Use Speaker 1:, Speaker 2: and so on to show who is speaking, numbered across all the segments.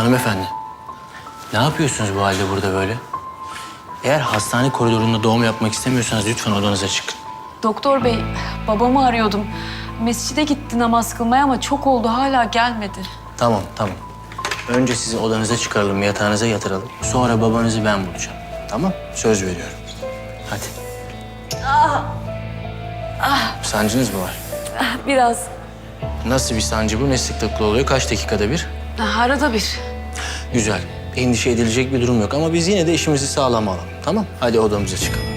Speaker 1: Hanımefendi, ne yapıyorsunuz bu halde burada böyle? Eğer hastane koridorunda doğum yapmak istemiyorsanız lütfen odanıza çıkın.
Speaker 2: Doktor bey, babamı arıyordum. Mescide gitti namaz kılmaya ama çok oldu hala gelmedi.
Speaker 1: Tamam. Önce sizi odanıza çıkaralım, yatağınıza yatıralım. Sonra babanızı ben bulacağım. Tamam? Söz veriyorum. Hadi. Sancınız mı var?
Speaker 2: Biraz
Speaker 1: Nasıl bir sancı bu? Ne sıklıkla oluyor? Kaç dakikada bir?
Speaker 2: arada bir.
Speaker 1: Güzel. Endişe edilecek bir durum yok ama biz yine de işimizi sağlam alalım. Tamam? Hadi odamıza çıkalım.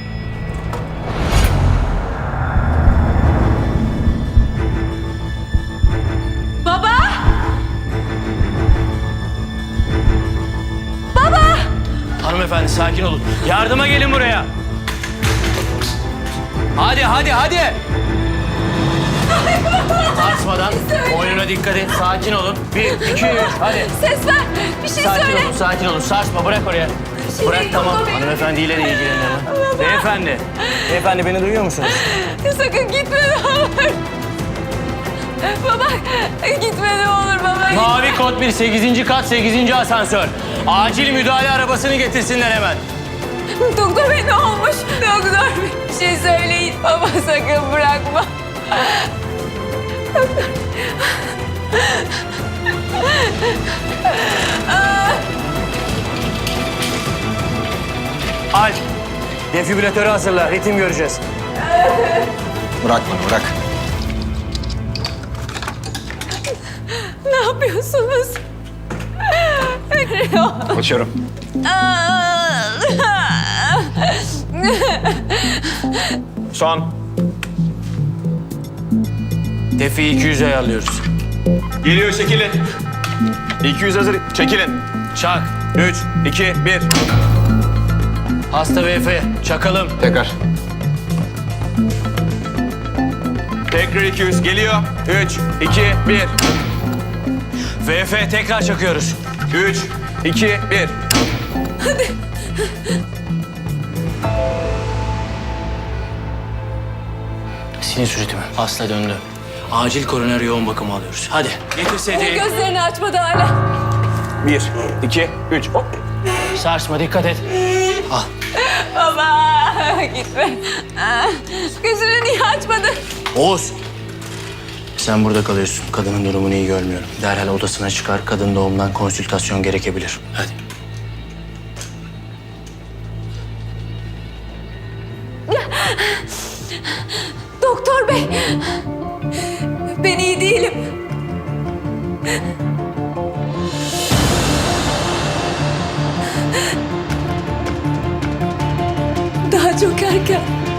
Speaker 2: Baba!
Speaker 1: Hanımefendi sakin olun. Yardıma gelin buraya. Hadi. Sarsmadan boynuna dikkat et. Sakin olun. 1, 2, 3. Hadi.
Speaker 2: Ses ver, bir şey söyle.
Speaker 1: Sakin olun. Sarsma. Bırak oraya. Bırak tamam. Hanımefendiyle de ilgilenin hemen. Beyefendi beni duyuyor musunuz?
Speaker 2: Sakın gitme ne olur. Baba, gitme ne olur baba.
Speaker 1: Mavi kod 1, 8. kat, 8. asansör. Acil müdahale arabasını getirsinler hemen.
Speaker 2: Doktor bey ne olmuş? Doktor bey bir şey söyleyin. Baba sakın bırakma.
Speaker 1: Alp, defibrilatörü hazırla. Ritim göreceğiz.
Speaker 3: Bırak bana, bırak.
Speaker 2: Ne yapıyorsunuz?
Speaker 3: Açıyorum. Son.
Speaker 1: Defiyi 200'e ayarlıyoruz.
Speaker 3: Geliyor, çekilin. 200 hazır, çekilin.
Speaker 1: Çak.
Speaker 3: 3, 2, 1.
Speaker 1: Hasta VF. Çakalım.
Speaker 3: Tekrar. Tekrar 200, geliyor. 3, 2, 1.
Speaker 1: VF tekrar çakıyoruz.
Speaker 3: 3, 2, 1.
Speaker 1: Sinüs ritmi. Hasta döndü. Acil koroner yoğun bakımı alıyoruz. Hadi. Getir sedyeyi.
Speaker 2: Gözlerini açmadı hala.
Speaker 3: 1, 2, 3. Hop.
Speaker 1: Sarsma dikkat et. Al.
Speaker 2: Baba gitme. Gözünü niye açmadın?
Speaker 1: Oğuz. Sen burada kalıyorsun. Kadının durumunu iyi görmüyorum. Derhal odasına çıkar. Kadın doğumdan konsültasyon gerekebilir. Hadi.
Speaker 2: Doktor bey. Ben iyi değilim. Daha çok erken.